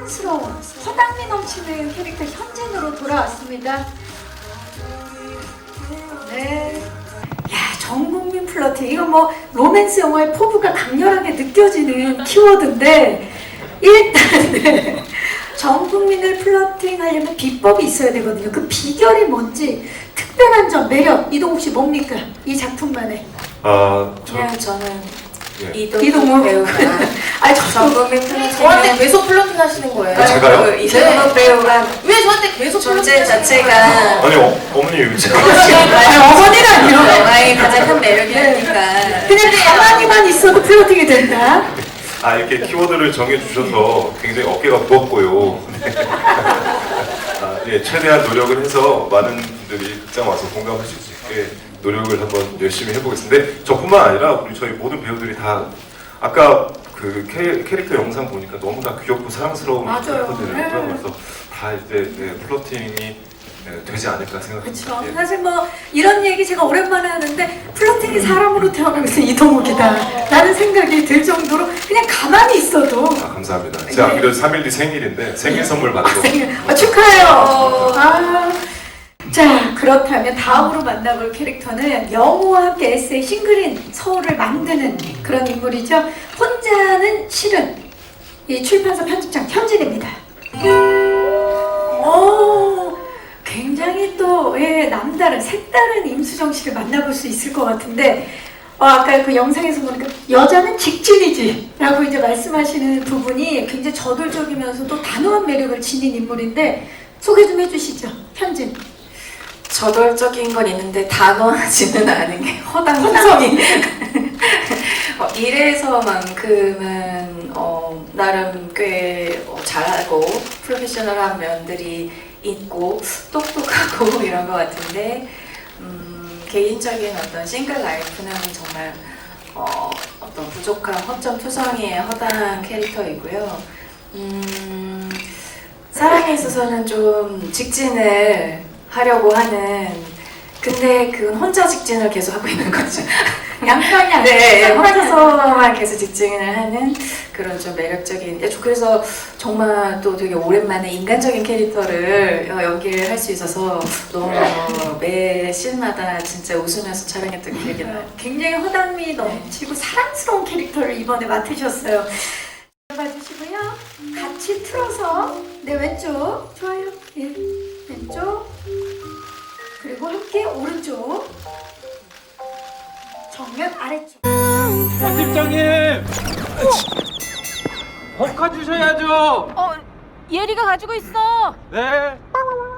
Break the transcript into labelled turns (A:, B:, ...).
A: 사랑스러운 허당미 넘치는 캐릭터 현진으로 돌아왔습니다. 네. 야, 전국민 플러팅. 이거 뭐 로맨스 영화의 포부가 강렬하게 느껴지는 키워드인데 일단 네. 전 국민을 플러팅하려면 비법이 있어야 되거든요. 그 비결이 뭔지 특별한 점, 매력 이동욱 씨 뭡니까? 이 작품만의.
B: 그냥 저는
A: 이동욱
B: 배우가
A: 아니
B: 전국민 플러팅 저한테 계속 플러팅 하시는 거예요.
C: 제가요?
B: 이동욱 배우가 왜 저한테 계속 존재 자체가
C: 아니 어머니 제가
A: 아니 어머니라니요.
B: 영화의 가장 큰 매력이니까.
A: 그냥 가만히만 있어도 플러팅이 된다.
C: 이렇게 키워드를 정해주셔서 굉장히 어깨가 무겁고요. 예, 최대한 노력을 해서 많은 분들이 극장 와서 공감할 수 있게 노력을 한번 열심히 해보겠습니다. 저뿐만 아니라 우리 저희 모든 배우들이 다 아까 그 캐릭터 영상 보니까 너무나 귀엽고 사랑스러운
A: 맞아요.
C: 캐릭터들이고요.
A: 네.
C: 그래서 다 이제 플러팅이 되지 않을까 생각합니다.
A: 그렇죠.
C: 예.
A: 사실 뭐 이런 얘기 제가 오랜만에 하는데 플러팅이 사람으로 태어나면서 이동욱이다 라는 생각이 들 정도로 그냥 가만히 있어도
C: 감사합니다. 제가
A: 네.
C: 그래도 3일 뒤 생일인데 생일 선물 받은 거.
A: 축하해요. 자, 그렇다면 다음으로 만나볼 캐릭터는 영호와 함께 에세이 싱글인 서울을 만드는 그런 인물이죠. 혼자는 싫은 이 출판사 편집장 현진입니다. 굉장히 또 남다른 색다른 임수정 씨를 만나볼 수 있을 것 같은데 아까 그 영상에서 보니까 여자는 직진이지 라고 이제 말씀하시는 부분이 굉장히 저돌적이면서도 단호한 매력을 지닌 인물인데 소개 좀 해주시죠. 현진.
B: 저돌적인 건 있는데 단호하지는 않은 게 허당성이 일에서만큼은 나름 꽤 잘하고 프로페셔널한 면들이 있고 똑똑하고 이런 것 같은데 개인적인 어떤 싱글 라이프는 정말 어떤 부족한 허점 투성이의 허당 캐릭터이고요. 사랑에 있어서는 좀 직진을 하려고 하는 근데 그건 혼자 직진을 계속 하고 있는 거죠.
A: 양편이 아니라
B: 네, 혼자서만 계속 직진을 하는 그런 좀 매력적인 그래서 정말 또 되게 오랜만에 인간적인 캐릭터를 연기를 할 수 있어서 너무 매 씬마다 진짜 웃으면서 촬영했던 기억이 나요.
A: 굉장히 허당미 넘치고 사랑스러운 캐릭터를 이번에 맡으셨어요. 봐주시고요. 같이 틀어서 네 왼쪽 좋아요. 예, 왼쪽 그리고 함께 오른쪽 정면 아래쪽.
D: 편집장님! 볶아주셔야죠!
E: 예리가 가지고 있어.
D: 네.